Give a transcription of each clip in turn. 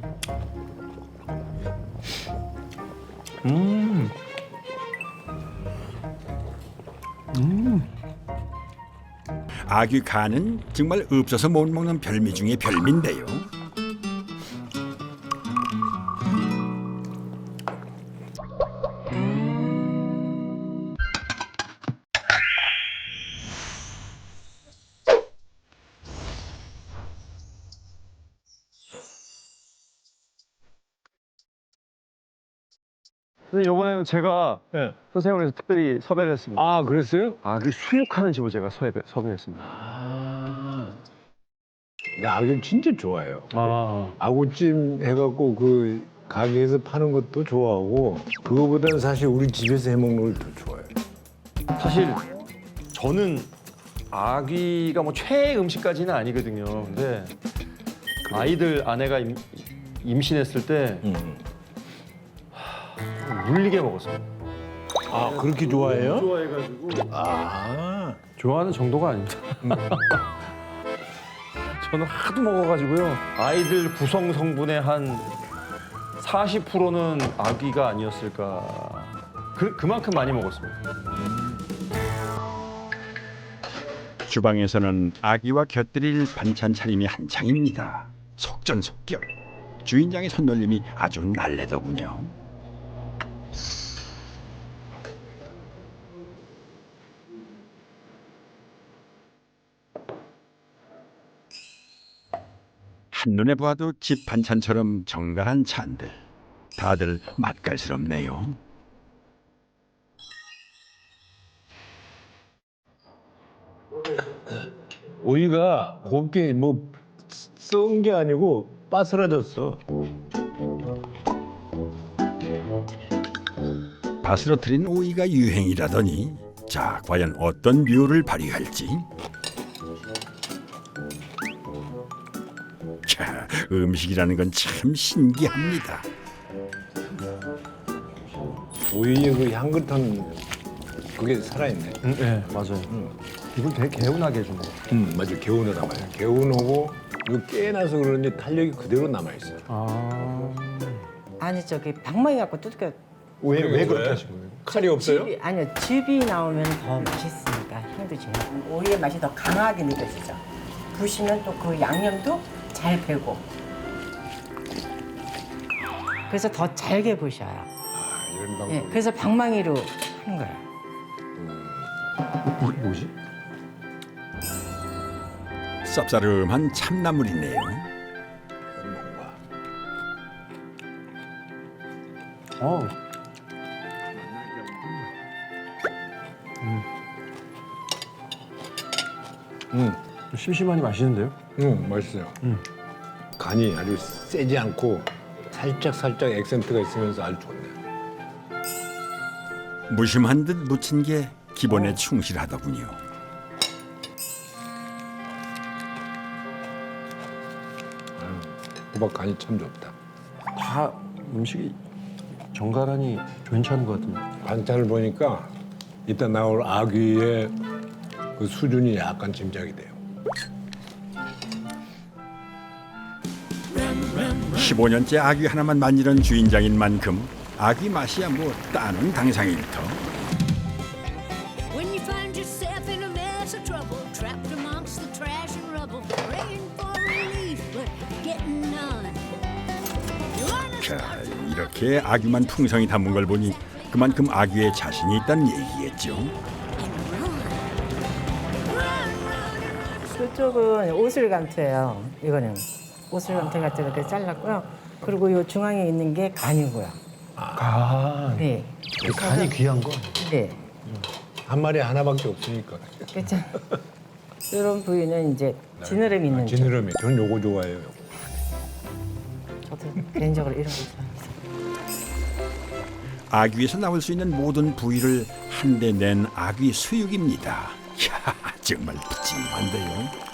음. 아귀 간은 정말 없어서 못 먹는 별미 중에 별미인데요. 선생님, 이번에는 제가 예. 선생님을 특별히 섭외를 했습니다. 아, 그랬어요? 그 수육하는 집을 제가 섭외했습니다. 나 아귀 진짜 좋아해요. 아, 아구찜 해갖고 그 가게에서 파는 것도 좋아하고 그거보다는 사실 우리 집에서 해먹는 걸 더 좋아해요. 사실 저는 아귀가 뭐 최애 음식까지는 아니거든요. 근데 아이들 아내가 임신했을 때 물리게 먹었어요. 아, 그렇게 좋아해요? 좋아해가지고 아, 좋아하는 정도가 아닙니다. 저는 하도 먹어가지고요. 아이들 구성 성분의 한 40%는 아귀가 아니었을까. 그만큼 많이 먹었습니다. 주방에서는 아귀와 곁들일 반찬 차림이 한창입니다. 속전속결. 주인장의 손놀림이 아주 날래더군요. 한눈에 보아도 집 반찬처럼 정갈한 찬들. 다들 맛깔스럽네요. 오이가 곱게 뭐 썩은 게 아니고 바스라졌어. 바스러트린 오이가 유행이라더니 자, 과연 어떤 묘를 발휘할지. 자, 음식이라는 건 참 신기합니다. 오이의 그 향긋한 그게 살아있네. 네, 맞아요. 이걸 되게 개운하게 해준 거. 맞아. 개운하단 말이야. 개운하고 이거 깨나서 그런지 탄력이 그대로 남아있어. 아니 저기 방망이 갖고 두들겨. 왜 그렇게 하신 거예요? 칼이 없어요? 아니요, 즙이 나오면 더 맛있으니까 향도 진하고 오이의 맛이 더 강하게 느껴지죠. 부시면 또 그 양념도 잘 배고 그래서 더 잘게 부셔요. 아, 이런 방법. 예, 그래서 방망이로 하는 거예요. 뭐지? 쌉싸름한 참나물이네요. 어. 심심하니 맛있는데요? 맛있어요. 간이 아주 세지 않고 살짝 액센트가 있으면서 아주 좋네요. 무심한 듯 묻힌 게 기본에 충실하더군요. 호박 간이 참 좋다. 다 음식이 정갈하니 괜찮은 것 같은데. 반찬을 보니까 이따 나올 아귀의 그 수준이 약간 짐작이 돼요. 15년째 아귀 하나만 만지는 주인장인 만큼 아귀 맛이야 뭐 따는 당상일터. When you find yourself in a mess of trouble, trapped amongst the trash and rubble, praying for relief, but getting none. You wanna 자, 이렇게 아귀만 풍성히 담은 걸 보니 그만큼 아귀에 자신이 있다는 얘기겠죠. 이쪽은 오슬감태예요. 이거는 오슬감태 같은 이렇게 잘랐고요. 그리고 이 중앙에 있는 게 간이고요. 간. 네, 간이 귀한 거. 네, 한 마리 하나밖에 없으니까. 그렇죠. 이런 부위는 이제 지느러미 있는 쪽. 지느러미. 전 요거 좋아해요. 요거. 저도 개인적으로 이런 거 좋아합니다. 아귀에서 나올 수 있는 모든 부위를 한데 낸 아귀 수육입니다. 이야, 정말 푸짐한데요.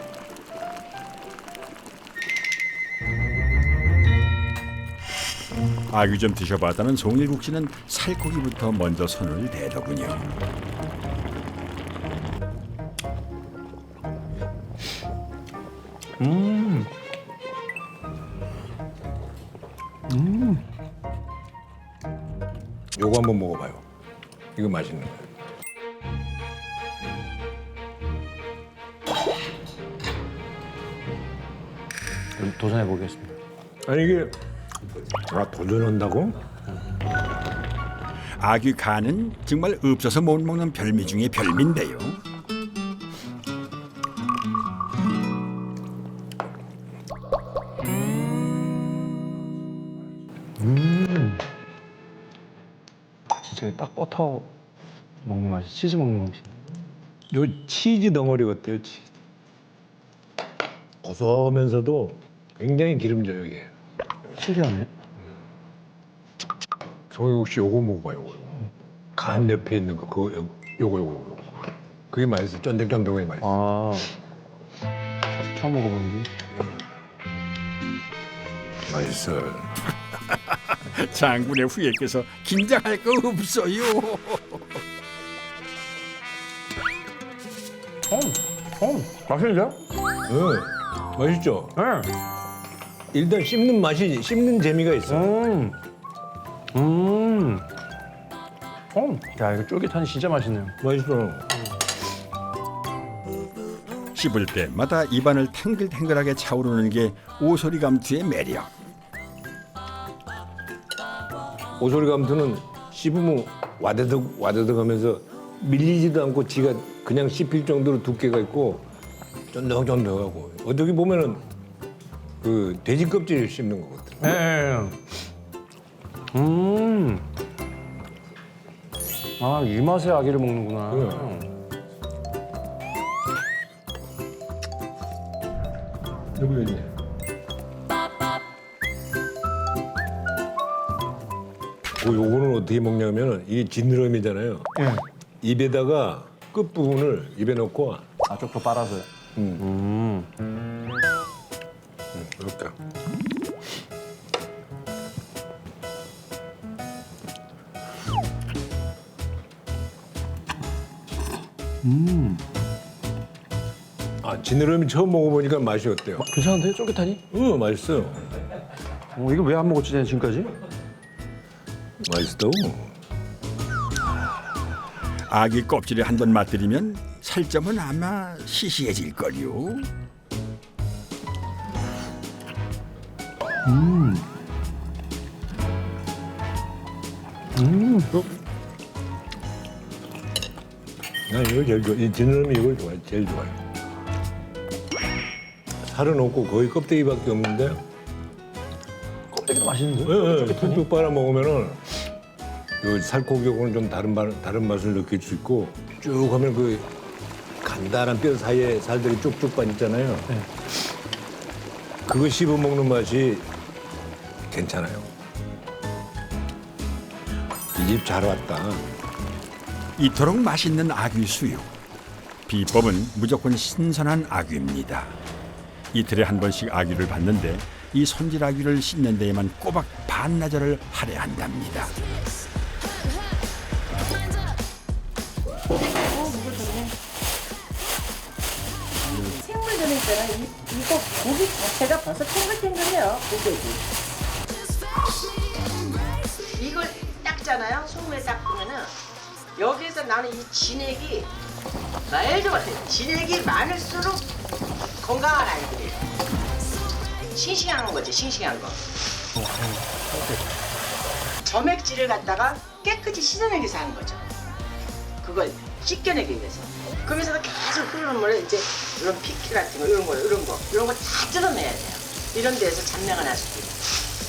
아귀 좀 드셔봤다는 송일국 씨는 살코기부터 먼저 손을 대더군요. 요거 한번 먹어봐요. 이거 맛있는 거예요. 도전해 보겠습니다. 아니 이게 도전한다고? 아귀 간은 정말 없어서 못 먹는 별미 중에 별미인데요. 진짜 딱 버터 먹는 맛이 치즈 먹는 맛이. 요 치즈 덩어리 어때요? 치즈. 고소하면서도 굉장히 기름져요 이게. 신기하네. 저 혹시 요거 먹어봐요. 요거. 간 옆에 있는 거 그거 요거. 그게 맛있어. 쫀득쫀득하게 맛있어. 아 처음 먹어보는 게. 맛있어. 장군의 후예께서 긴장할 거 없어요. 맛있는데요? 응. 맛있죠? 네. 일단 씹는 재미가 있어. 야 이거 쫄깃하니 진짜 맛있네요. 맛있어. 씹을 때마다 입안을 탱글탱글하게 차오르는 게 오소리 감투의 매력. 오소리 감투는 씹으면 와드득 하면서 밀리지도 않고 지가 그냥 씹힐 정도로 두께가 있고 쫀득쫀득하고 어떻게 보면은 그 돼지 껍질을 씹는 거거든. 네. 아, 이 맛에 아기를 먹는구나. 여기 있네. 요거는 어떻게 먹냐면 이게 지느러미잖아요. 입에다가 끝 부분을 입에 넣고 아, 쪽도 빨아서요. 이렇게. 아, 지느러미 처음 먹어보니까 맛이 어때요? 괜찮은데? 쫄깃하니? 응, 맛있어요. 이거 왜 안 먹었지, 지금까지? 맛있다고. 아귀 껍질에 한 번 맛들이면 살점은 아마 시시해질 걸요. 난 이걸 제일 좋아. 이 지느러미 이걸 좋아해. 제일 좋아요. 살은 없고 거의 껍데기밖에 없는데 껍데기도 맛있는데? 툭툭 빨아 먹으면은 요 살코기하고는 좀 다른 맛을 느낄 수 있고 쭉 하면 그 간단한 뼈 사이에 살들이 쭉쭉 빠지잖아요. 네. 그거 씹어 먹는 맛이 괜찮아요. 이 집 잘 왔다. 이토록 맛있는 아귀 수육. 비법은 무조건 신선한 아귀입니다. 이틀에 한 번씩 아귀를 받는데 이 손질 아귀를 씻는 데에만 꼬박 반나절을 할애한답니다. 생물 들으니까는 이거 고기 자체가 벌써 탱글탱글해요. 고기. 이걸 닦잖아요. 소금에 닦으면은 여기에서 나는 이 진액이 말도 못해. 진액이 많을수록 건강한 아이들이에요. 싱싱한 거지, 싱싱한 거. 점액질을 갖다가 깨끗이 씻어내기 위해서 하는 거죠. 그걸 씻겨내기 위해서. 그러면서 계속 흐르는 물에 이제 이런 피키 같은 거, 이런 거 다 뜯어내야 돼요. 이런 데에서 잡내가 날 수도 있고.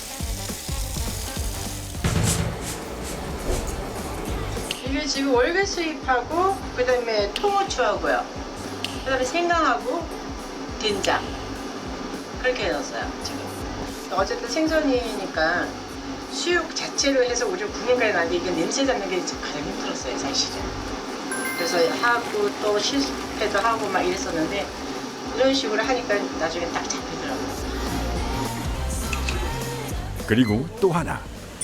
이게 지금 월계 수잎하고 그다음에 통후추하고요. 그다음에 생강하고 된장 그렇게 해놨어요 지금. 어쨌든 생선이니까 수육 자체로 해서 우리 국물까지 나는데 이게 냄새 잡는 게 가장 힘들었어요 사실은. 그래서 하고 또 실패도 하고 막 이랬었는데 이런 식으로 하니까 나중에 딱 잡히더라고요. 그리고 또 하나.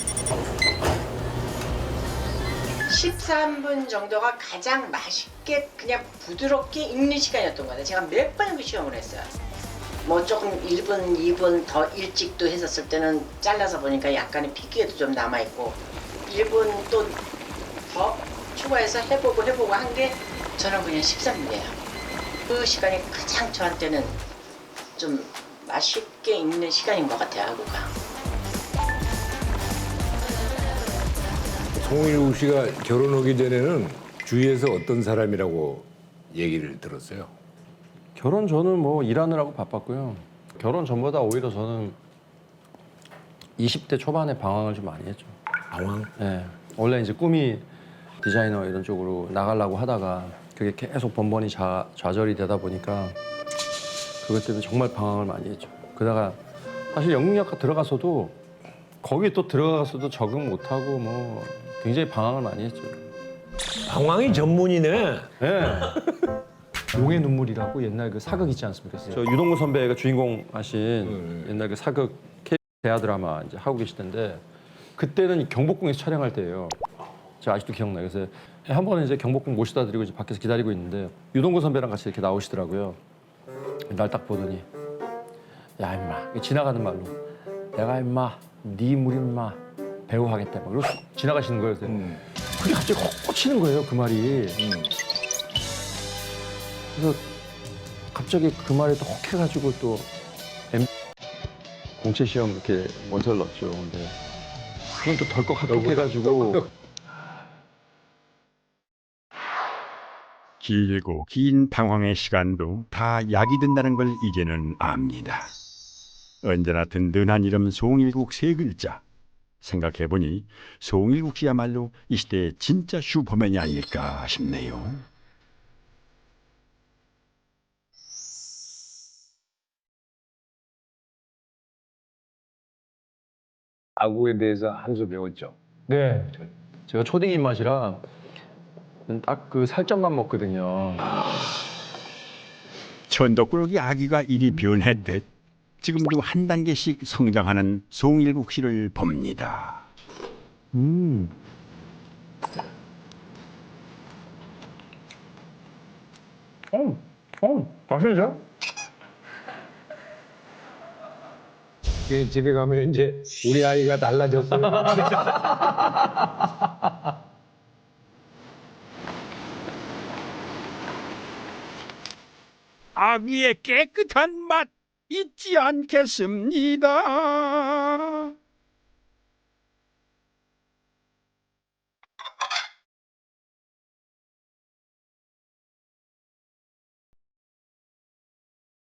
13분 정도가 가장 맛있게 그냥 부드럽게 익는 시간이었던 것 같아요. 제가 몇 번 시험을 했어요. 뭐 조금 1분, 2분 더 일찍도 했었을 때는 잘라서 보니까 약간의 피기에도 좀 남아있고 1분 또 더 추가해서 해보고 한 게 저는 그냥 13분이에요. 그 시간이 가장 저한테는 좀 맛있게 있는 시간인 것 같아요, 하루가. 송일국 씨가 결혼하기 전에는 주위에서 어떤 사람이라고 얘기를 들었어요? 결혼 전은 뭐 일하느라고 바빴고요. 결혼 전보다 오히려 저는 20대 초반에 방황을 좀 많이 했죠. 방황? 네. 원래 이제 꿈이 디자이너 이런 쪽으로 나가려고 하다가 그게 계속 번번이 좌절이 되다 보니까 그것 때문에 정말 방황을 많이 했죠. 그러다가 사실 영국영화과 들어가서도 거기 또 들어가서도 적응 못하고 뭐 굉장히 방황을 많이 했죠. 방황이 전문이네. 네. 용의 눈물이라고 옛날 그 사극 있지 않습니까? 저 유동근 선배가 주인공 하신 옛날 그 사극 대하 드라마 이제 하고 계실 텐데 그때는 경복궁에서 촬영할 때예요. 제가 아직도 기억나요. 그래서 한 번은 이제 경복궁 모시다 드리고 이제 밖에서 기다리고 있는데 유동근 선배랑 같이 이렇게 나오시더라고요. 날 딱 보더니 야 임마 지나가는 말로 내가 임마 네 물 임마 배우 하겠다 막 이러고 지나가시는 거예요. 그래서 그게 갑자기 확 꽂히는 거예요. 그 말이. 그래서 갑자기 그 말에 또 혹 해가지고 또 공채 시험 이렇게 원서를 넣었죠. 근데 그건 또 덜컥 합격해가지고 길고 긴 방황의 시간도 다 약이 된다는 걸 이제는 압니다. 언제나 든든한 이름 송일국 세 글자. 생각해보니 송일국 씨야말로 이 시대의 진짜 슈퍼맨이 아닐까 싶네요. 아구에 대해서 한 수 배웠죠. 네. 제가 초딩 입맛이라 딱 그 살점만 먹거든요. 천덕꾸러기 아기가 이리 변했듯 지금도 한 단계씩 성장하는 송일국 씨를 봅니다. 맛있죠? 집에 가면 이제 우리 아이가 달라졌어요. 아귀의 깨끗한 맛 잊지 않겠습니다.